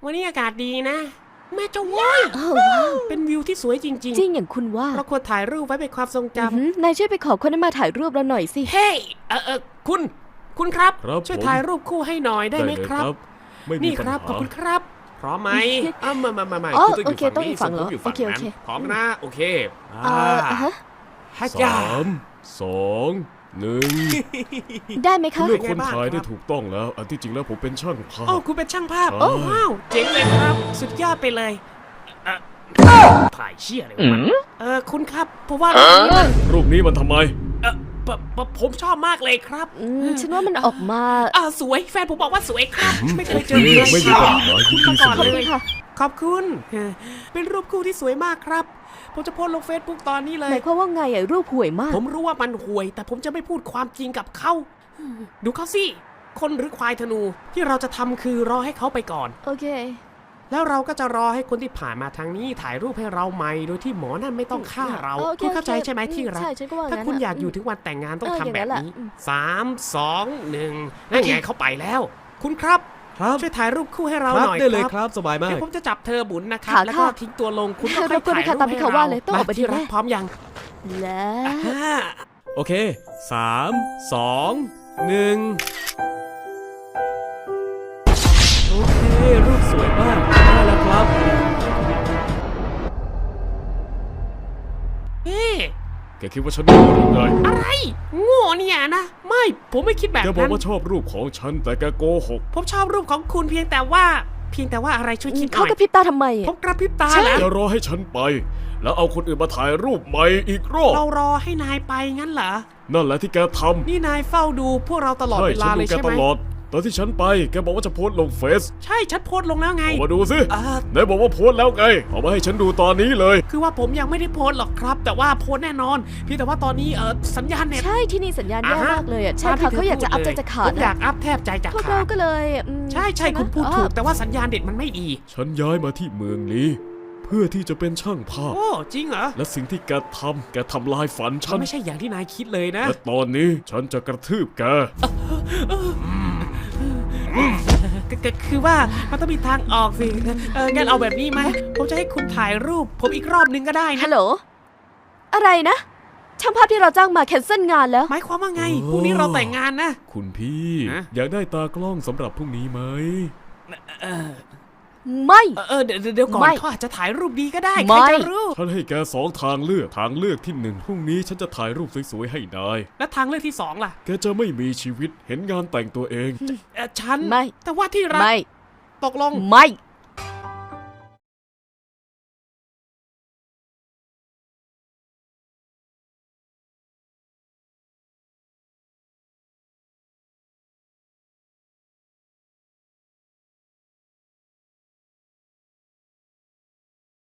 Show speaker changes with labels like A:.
A: วันนี้อากาศดีนะแม่เจ้าว้ยเป็นวิวที่สวยจริง
B: จริงอย่างคุณว่า
A: เราควรถ่ายรูปไว้เป็นความทรงจำ
B: นายช่วยไปขอคนนั้นมาถ่ายรูปเราหน่อยสิ
A: เฮ้คุณครับ ช่วยถ่ายรูปคู่ให้หน่อยได้ไหมครับนี่ครับขอบคุณครับพร้อมไหมไม่
B: โอเคต้องอีกฝั่งเหรอโอเค
A: พร้อมนะโอเค
C: 3 2 1
B: ได้ไหมคะ
C: เลือกคนถ่ายได้ถูกต้องแล้วอันที่จริงแล้วผมเป็นช่างภาพ
A: คุณเป็นช่างภาพว้าวเจ๋งเลยครับสุดยอดไปเลยถ่ายเชี่ยเลยคุณครับเพราะว่า
C: รูปนี้มันทำไม
A: ผมชอบมากเลยครับ
B: ฉันว่ามันออกมา
A: สวยแฟนผมบอกว่าสวยครับไม่เคยเจอเลย
C: ไม่มีปัญหา
A: คุณมาก่อนเลยขอบคุณเป็นรูปคู่ที่สวยมากครับผมจะโพสลงเฟซบุ๊กตอนนี้เลย
B: หมายความว่าไงรูปห่วยมาก
A: ผมรู้ว่ามันห่วยแต่ผมจะไม่พูดความจริงกับเขาดูเขาสิคนหรือควายธนูที่เราจะทำคือรอให้เขาไปก่อน
B: โอเค
A: แล้วเราก็จะรอให้คนที่ผ่านมาทางนี้ถ่ายรูปให้เราใหม่โดยที่หมอนั่นไม่ต้องฆ่าเราคุณเข้าใจใช่ไหมที่รักถ้าคุณอยากอยู่ถึงวันแต่งงานต้องทำแบบนี้3 2 1นั่นไงเขาไปแล้วคุณครับช่วยถ่ายรูปคู่ให้เราหน่อย
C: ได้เลยครับสบายมาก
A: ผมจะจับเธอบุญนะครับแล้วก็ทิ้งตัวลงคุณก็ค่อยถ่ายรูปให้เรามาที่รักพร้อมยัง
B: แล้ว
C: โอเค3 2 1โอเครูปสวยมากได้แล้วครับแกคิดว่าฉันโง่หรือไง
A: อะไรโง่เนี่ยนะไม่ผมไม่คิดแบบนั้น
C: แกบอกว่าชอบรูปของฉันแต่แกโกหก
A: ผมชอบรูปของคุณเพียงแต่ว่าอะไรช่วยคิดหน่อย
B: เขากระพริบตาทำไม
A: ผมกระพริบตาแล้ว
C: จะรอให้ฉันไปแล้วเอาคนอื่นมาถ่ายรูปใหม่อีกรอบ
A: เรารอให้นายไปงั้นเหรอ
C: นั่นแหละที่แกทำ
A: นี่นายเฝ้าดูพวกเราตลอดเวลาเลยใช่ไหม
C: ตอนที่ฉันไปแกบอกว่าจะโพสลงเฟซ
A: ใช่ฉันโพสลงแล้วไง
C: มาดูสิไหนบอกว่าโพสแล้วไงเอามาให้ฉันดูตอนนี้เลย
A: คือว่าผมยังไม่ได้โพสหรอกครับแต่ว่าโพสแน่นอนเพียงแต่ว่าตอนนี้สัญญาณเน็ต
B: ใช่ที่นี่สัญญาณแย่มากเลยใช่ค่ะเขาอยากจะอัพใจจะขาด
A: ผมอยากอัพแทบใจจะขาด
B: พวกเราก็เลย
A: ใช่คุณพูดถูกแต่ว่าสัญญาณเน็ตมันไม่ดี
C: ฉันย้ายมาที่เมืองนี้เพื่อที่จะเป็นช่างภาพ
A: โอ้จริงเหรอ
C: และสิ่งที่แกทำลายฝันฉัน
A: ไม่ใช่อย่างที่นายคิดเลยนะ
C: และตอนนี้ฉันจะกระทืบแก
A: คือว่ามันต้องมีทางออกสิงั้นเอาแบบนี้ไหมผมจะให้คุณถ่ายรูปผมอีกรอบนึงก็ได้นะ
B: ฮัลโหลอะไรนะช่างภาพที่เราจ้างมาแคนเซิลงานแล้ว
A: หมายความว่าไงพรุ่งนี้เราแต่งงานนะ
C: คุณพี่อยากได้ตากล้องสำหรับพรุ่งนี้ไหม
B: ไม่
A: เดี๋ยวก่อนเขาอาจจะถ่ายรูปดีก็ได้ใครจะรู้
C: ฉันให้แก2 ทางเลือกที่1พรุ่งนี้ฉันจะถ่ายรูปสวยๆให้นาย
A: และทางเลือกที่2ล่ะ
C: แกจะไม่มีชีวิตเห็นงานแต่งตัวเอง
A: ฉันไม่แต่ว่าที่รักตกลง
B: ไม่